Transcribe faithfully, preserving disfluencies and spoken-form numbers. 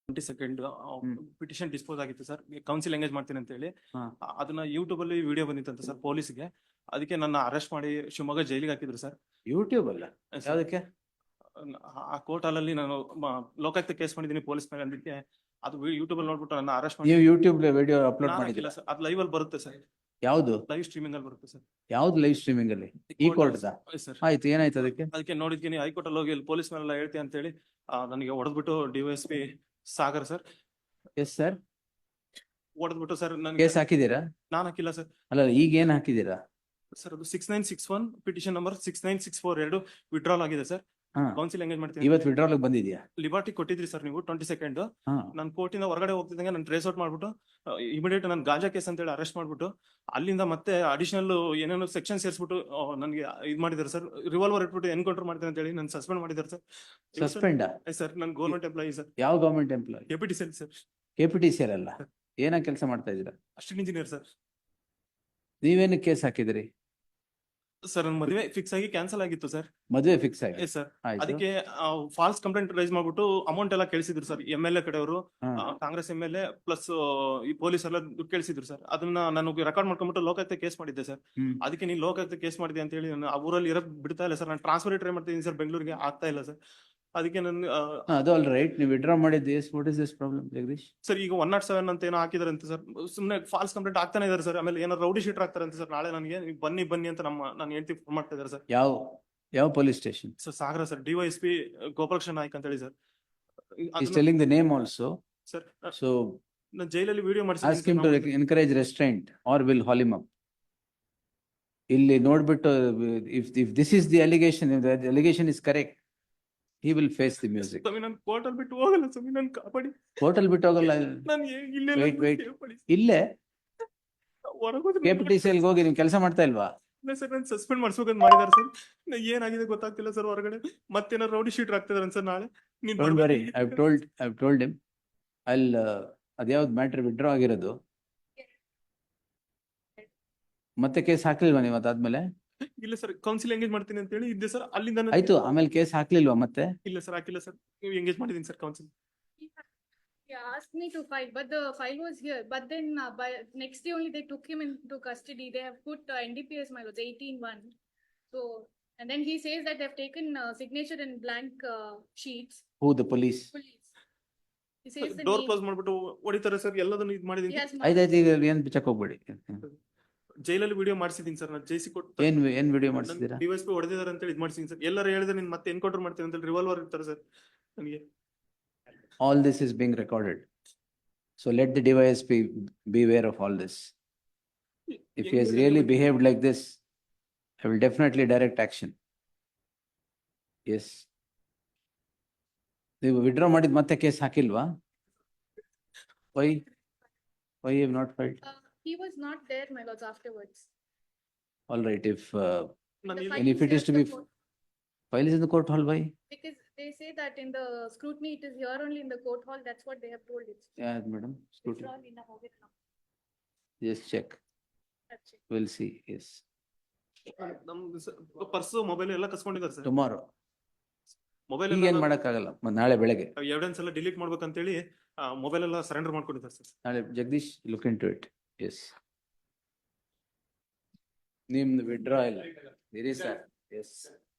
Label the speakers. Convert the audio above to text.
Speaker 1: Twenty second
Speaker 2: hmm.
Speaker 1: Petition dispose ಆಗಿತ್ತು sir, counsel engage ಮಾಡ್ತೀನಿ ಅಂತ ಹೇಳಿ.
Speaker 2: ಹಾ.
Speaker 1: ಆ- ಅದನ್ನ ಯೂಟ್ಯೂಬ್ ಅಲ್ಲಿ ವಿಡಿಯೋ ಬಂದಿತ್ತಂತ ಸರ್ ಪೊಲೀಸ್ಗೆ. ಅದಕ್ಕೆ ನನ್ನ ಅರೆಸ್ಟ್ ಮಾಡಿ ಶಿವಮೊಗ್ಗ ಜೈಲಿಗೆ ಹಾಕಿದ್ರು ಸರ್.
Speaker 2: ಯೂಟ್ಯೂಬ್ ಅಲ್ಲ
Speaker 1: ಸರ್,
Speaker 2: ಯಾವ್ದಕ್ಕೆ?
Speaker 1: ಆ ಕೋರ್ಟ್ ಅಲ್ಲಿ ನಾನು ಮ- ಲೋಕಾಯುಕ್ತ ಕೇಸ್ ಮಾಡಿದ್ದೀನಿ ಪೊಲೀಸ್ ಮೇಲೆ. ಅದಕ್ಕೆ ಅದು ಯೂಟ್ಯೂಬ್ ಅಲ್ಲಿ ನೋಡ್ಬಿಟ್ಟು ನನ್ನ ಅರೆಸ್ಟ್ ಮಾಡಿ.
Speaker 2: ನೀವು ಯೂಟ್ಯೂಬ್ ವಿಡಿಯೋ ಅಪ್ಲೋಡ್
Speaker 1: ನಾನು
Speaker 2: ಮಾಡಿದಿಲ್ಲ?
Speaker 1: ಹಾಕಿಲ್ಲ ಸರ್, ಅದು ಲೈವ್ ಅಲ್ಲಿ ಬರುತ್ತೆ ಸರ್,
Speaker 2: ಯಾವ್ದು
Speaker 1: ಲೈವ್ ಸ್ಟ್ರೀಮಿಂಗ್ ಅಲ್ಲಿ ಬರುತ್ತೆ ಸರ್.
Speaker 2: ಯಾವ್ದು ಲೈವ್ ಸ್ಟ್ರೀಮಿಂಗ್ ಅಲ್ಲಿ? ಈ ಕೋರ್ಟ್
Speaker 1: ಸರ್
Speaker 2: ಆಯ್ತು, ಏನಾಯ್ತು ಅದಕ್ಕೆ?
Speaker 1: ಅದಕ್ಕೆ ನೋಡಿದ್ತೀನಿ ಹೈಕೋರ್ಟ್ ಅಲ್ಲಿ ಹೋಗಿ ಪೊಲೀಸ್ ಮೇಲೆಲ್ಲ ಹೇಳ್ತೀನಿ ಅಂತ ಹೇಳಿ ನನಗೆ ಹೊಡೆದ್ಬಿಟ್ಟು DYSP Sagar sir
Speaker 2: yes sir,
Speaker 1: ಹೊಡೆದ್ಬಿಟ್ಟು ಸರ್ ನನಗೆ.
Speaker 2: ಕೇಸ್ ಹಾಕಿದೀರಾ?
Speaker 1: ನಾನು ಹಾಕಿಲ್ಲ ಸರ್.
Speaker 2: ಅಲ್ಲ, ಈಗ ಏನ್ ಹಾಕಿದೀರಾ?
Speaker 1: ಸರ್ ಅದು six nine six one petition number six nine six four ಎರಡು ವಿಡ್ರಾಲ್ ಆಗಿದೆ ಸರ್.
Speaker 2: ಹಾ.
Speaker 1: ಕೌನ್ಸಿಲ್ ಎಂಗೇಜ್ ಮಾಡ್ತೀನಿ.
Speaker 2: ಇವತ್ತು ವಿಡ್ರಾಲ್ ಬಂದಿದ್ಯಾ?
Speaker 1: ಲಿಬರ್ಟಿ ಕೊಟ್ಟಿದ್ರಿ ಸರ್ ನೀವು ಟ್ವೆಂಟಿ ಸೆಕೆಂಡ್.
Speaker 2: ಹಾ.
Speaker 1: ನಾನು ಕೋರ್ಟಿಂದ ಹೊರಗಡೆ ಹೋಗ್ತಿದ್ದಂಗೆ ನಾನು ಟ್ರೇಸ್ ಔಟ್ ಮಾಡ್ಬಿಟ್ಟು ಇಮಿಡಿಯೇಟ್ ನಾನು ಗಾಂಜಾ ಕೇಸ್ ಅಂತ ಹೇಳಿ ಅರೆಸ್ಟ್ ಮಾಡ್ಬಿಟ್ಟು ಅಲ್ಲಿಂದ ಮತ್ತೆ ಅಡಿಷನಲ್ ಏನೇನೋ ಸೆಕ್ಷನ್ ಸೇರಿಸ್ಬಿಟ್ಟು ನನಗೆ ಇದು ಮಾಡಿದ್ದಾರೆ ಸರ್. ರಿವಾಲ್ವರ್ ಇಟ್ಬಿಟ್ಟು ಎನ್ಕೌಂಟರ್ ಮಾಡ್ತೀನಿ ಅಂತ ಹೇಳಿ ನಾನು ಸಸ್ಪೆಂಡ್ ಮಾಡಿದ್ದಾರೆ ಸರ್.
Speaker 2: ಸಸ್ಪೆಂಡ್?
Speaker 1: ಸರ್ ನಾನು ಗೌರ್ಮೆಂಟ್ ಎಂಪ್ಲಾಯಿ ಸರ್.
Speaker 2: ಯಾವ government employee?
Speaker 1: Deputy cell sir.
Speaker 2: K P T C ಅಲ್ಲ, ಏನ ಕೆಲಸ ಮಾಡ್ತಾ ಇದೀರಾ?
Speaker 1: Assistant engineer sir.
Speaker 2: ನೀವೇನು ಕೇಸ್ ಹಾಕಿದಿರಿ?
Speaker 1: ಸರ್ ನನ್ನ ಮದುವೆ ಫಿಕ್ಸ್ ಆಗಿ ಕ್ಯಾನ್ಸಲ್ ಆಗಿತ್ತು ಸರ್.
Speaker 2: ಮದುವೆ ಫಿಕ್ಸ್ ಆಗಿ?
Speaker 1: Yes sir.
Speaker 2: ಆಯ್ತು.
Speaker 1: ಅದಕ್ಕೆ ಫಾಲ್ಸ್ ಕಂಪ್ಲೇಂಟ್ ರೈಸ್ ಮಾಡ್ಬಿಟ್ಟು ಅಮೌಂಟ್ ಎಲ್ಲ ಕೇಳಿಸಿದ್ರು ಸರ್. ಎಂ ಎಲ್ ಎ ಕಡೆಯವರು,
Speaker 2: ಹಾ.
Speaker 1: Congress M L A plus ಈ ಪೊಲೀಸ್ ಎಲ್ಲ ದುಡ್ಡು ಕೇಳಿಸಿದ್ರು ಸರ್. ಅದನ್ನ ನಾನು ರೆಕಾರ್ಡ್ ಮಾಡ್ಕೊಂಡ್ಬಿಟ್ಟು ಲೋಕಾಯುಕ್ತ ಕೇಸ್ ಮಾಡಿದ್ದೆ ಸರ್.
Speaker 2: ಹ್ಮ್.
Speaker 1: ಅದಕ್ಕೆ ನೀವು ಲೋಕಾಯುಕ್ತ ಕೇಸ್ ಮಾಡಿದೆ ಅಂತ ಹೇಳಿ ನಾನು ಆ ಊರಲ್ಲಿ ಇರೋಕ್ ಬಿಡ್ತಾ ಇಲ್ಲ ಸರ್. ನಾನು ಟ್ರಾನ್ಸ್ಫರ್ ಟ್ರೈ ಮಾಡ್ತಿದ್ದೀನಿ ಸರ್, ಬೆಂಗಳೂರಿಗೆ ಆಗ್ತಾ ಇಲ್ಲ ಸರ್. ಅದಕ್ಕೆ ನಾನು
Speaker 2: ಹಾ, ಅದು ಆಲ್ ರೈಟ್. ನೀವು ವಿಡ್ರಾ ಮಾಡಿದ್ದು yes what is this problem Jagadish?
Speaker 1: Sir ಈಗ ಒನ್ ನಾಟ್ ಸೆವೆನ್ ಅಂತ ಏನೋ ಹಾಕಿದಾರೆ ಅಂತ ಸರ್. ಸುಮ್ಮನೆ ಫಾಲ್ಸ್ ಕಂಪ್ಲೇಂಟ್ ಆಗ್ತಾನೆ ಇದಾರೆ ಸರ್. ಆಮೇಲೆ ಏನೋ ರೌಡಿ ಶೀಟರ್ ಆಗ್ತಾರೆ ಅಂತ ಸರ್. ನಾಳೆ ನನಗೆ ನೀವು ಬನ್ನಿ ಬನ್ನಿ ಅಂತ ನಮ್ಮ ನಾನು ಹೇಳ್ತಿ ಫೋನ್ ಮಾಡ್ತಾ ಇದ್ದಾರೆ ಸರ್.
Speaker 2: ಯಾವ ಯಾವ police station?
Speaker 1: Sir Sagara sir, DYSP Gopalakrishna Naik ಅಂತ ಹೇಳಿ sir.
Speaker 2: He's telling the name also.
Speaker 1: Sir
Speaker 2: So
Speaker 1: ನಾನು ಜೈಲಲ್ಲಿ video
Speaker 2: ask him to encourage restraint or will haul him up. ಇಲ್ಲಿ ನೋಡ್ಬಿಟ್ಟು if if this is the allegation, if the allegation is correct, he will face the music.
Speaker 1: ಸ್ವಾಮಿ ನಾನು court ಅಲ್ಲಿ ಬಿಟ್ಟು ಹೋಗಲ್ಲ ಸ್ವಾಮಿ, ನಾನು ಕಾಪಾಡಿ.
Speaker 2: ಕೋರ್ಟ್ ಅಲ್ಲಿ ಬಿಟ್ಟು ಹೋಗಲ್ಲ.
Speaker 1: ನಾನು ಇಲ್ಲೇ
Speaker 2: Wait, wait. ಇಲ್ಲೇ ಕೆ ಪಿ ಟಿ ಸಿ ಅಲ್ಲಿ ಹೋಗಿ ನೀವು ಕೆಲಸ ಮಾಡ್ತಾ ಇಲ್ವಾ?
Speaker 1: ಇಲ್ಲ ಸರ್, ನಾನು ಸಸ್ಪೆಂಡ್ ಮಾಡ್ಸ್ಬೇಕಂತ ಮಾಡಿದಾರೆ ಸರ್. ಏನಾಗಿದೆ ಗೊತ್ತಾಗ್ತಿಲ್ಲ ಸರ್. ಹೊರಗಡೆ ಮತ್ತೇನಾರು ರೌಡಿ ಶೀಟರ್ ಆಗ್ತಿದಾರೆ ಸರ್. ನಾಳೆ ನೀನ್
Speaker 2: Don't
Speaker 1: ಬರ್ಬೇಕು.
Speaker 2: worry, I've told I've told him. I'll uh, ಅದ್ಯಾವ್ದು ಮ್ಯಾಟ್ರ್ ವಿಡ್ರಾ ಆಗಿರೋದು? ಮತ್ತೆ ಕೇಸ್ ಹಾಕ್ಲಿಲ್ವಾ ನೀವು ಅದಾದ್ಮೇಲೆ?
Speaker 1: ಇಲ್ಲ ಸರ್, ಕೌನ್ಸಿಲ್ ಎಂಗೇಜ್ ಮಾಡ್ತೀನಿ ಅಂತ ಹೇಳಿ ಇದ್ದೆ ಸರ್. ಅಲ್ಲಿಂದ ನಾನು-
Speaker 2: ಆಯ್ತು, ಆಮೇಲೆ ಕೇಸ್ ಹಾಕ್ಲಿಲ್ವಾ ಮತ್ತೆ?
Speaker 1: ಇಲ್ಲ ಸರ್, ಹಾಕಿಲ್ಲ ಸರ್. ನೀವು ಎಂಗೇಜ್ ಮಾಡಿದೀನಿ sir counsel.
Speaker 3: He asked me to file, but the file was here. But then uh, by next day only they took him into custody. They have put uh, N D P S my lords eighteen one. So and then he says that they have taken uh, signature in blank uh, sheets.
Speaker 2: Who, the police?
Speaker 3: Police. He says the
Speaker 1: door
Speaker 3: name.
Speaker 1: Close ಮಾಡ್ಬಿಟ್ಟು ಹೊಡಿತಾರೆ sir. ಎಲ್ಲದನ್ನು ಇದು
Speaker 3: He
Speaker 1: ಮಾಡಿದೀನಿ.
Speaker 3: has
Speaker 2: ಆಯ್ತಾಯ್ತು, ಈಗ ಏನ್ check ಹೋಗ್ಬೇಡಿ.
Speaker 1: ಜೈಲಲ್ಲಿ ವಿಡಿಯೋ ಮಾಡಿಸಿದೀನಿ ಸರ್. ನಾನು ಜೈಸಿ ಕೊಟ್ಟು
Speaker 2: ಏನ್ ಏನ್ ವಿಡಿಯೋ ಮಾಡಿಸಿದೀರಾ?
Speaker 1: ಡಿವೈಎಸ್ಪಿ ಹೊಡೆದಿದ್ದಾರೆ ಅಂತ ಹೇಳಿ ಇದು ಮಾಡಿಸಿದೀನಿ ಸರ್. ಎಲ್ಲರೂ ಹೇಳಿದ್ರೆ ನೀನ್ ಮತ್ತೆ ಎನ್ಕೌಂಟರ್ ಮಾಡ್ತೀನಿ ಅಂತ ಹೇಳಿ ರಿವಾಲ್ವರ್ ಇರ್ತಾರೆ ಸರ್ ನನಗೆ.
Speaker 2: All this is being recorded. So let the device be beware of all this. If he has really behaved like this, I will definitely direct action. Yes. ನೀವು ವಿಡ್ರಾ ಮಾಡಿದ ಮತ್ತೆ case ಹಾಕಿಲ್ವಾ? Why? Why you have not filed?
Speaker 3: Uh, he was not there, my lords, afterwards.
Speaker 2: All right, if uh,
Speaker 1: ನಾನು
Speaker 3: The
Speaker 1: ಇಲ್ಲಿ-
Speaker 3: file
Speaker 2: And if
Speaker 3: is
Speaker 2: it is
Speaker 3: here
Speaker 2: to
Speaker 3: in
Speaker 2: be
Speaker 3: the court.
Speaker 2: file is in the court hall, why?
Speaker 3: Because they say that in the scrutiny it is here only in the court hall. That's what they have told it.
Speaker 2: Yeah, madam. Scrutiny.
Speaker 3: It's all in the hobbit now.
Speaker 2: Just check.
Speaker 3: That's it.
Speaker 2: We'll see. Yes.
Speaker 1: ನಮ್ದು purse mobile ಎಲ್ಲ ಕಸ್ಕೊಂಡಿದ್ದಾರೆ sir.
Speaker 2: Tomorrow.
Speaker 1: Mobile
Speaker 2: ಈಗ ಏನ್ ಮಾಡಕ್ಕಾಗಲ್ಲ. ಮ- ನಾಳೆ ಬೆಳಗ್ಗೆ.
Speaker 1: Evidence ಎಲ್ಲ ಡಿಲೀಟ್ ಮಾಡ್ಬೇಕಂತ ಹೇಳಿ ಮೊಬೈಲ್ ಎಲ್ಲ ಸರೆಂಡರ್ ಮಾಡ್ಕೊಂಡಿದ್ದಾರೆ ಸರ್.
Speaker 2: ನಾಳೆ Jagadish look in to it. Yes. ನಿಮ್ದು ವಿಡ್ರಾ ಇಲ್ಲ ಇರಿ ಸರ್. ಎಸ್.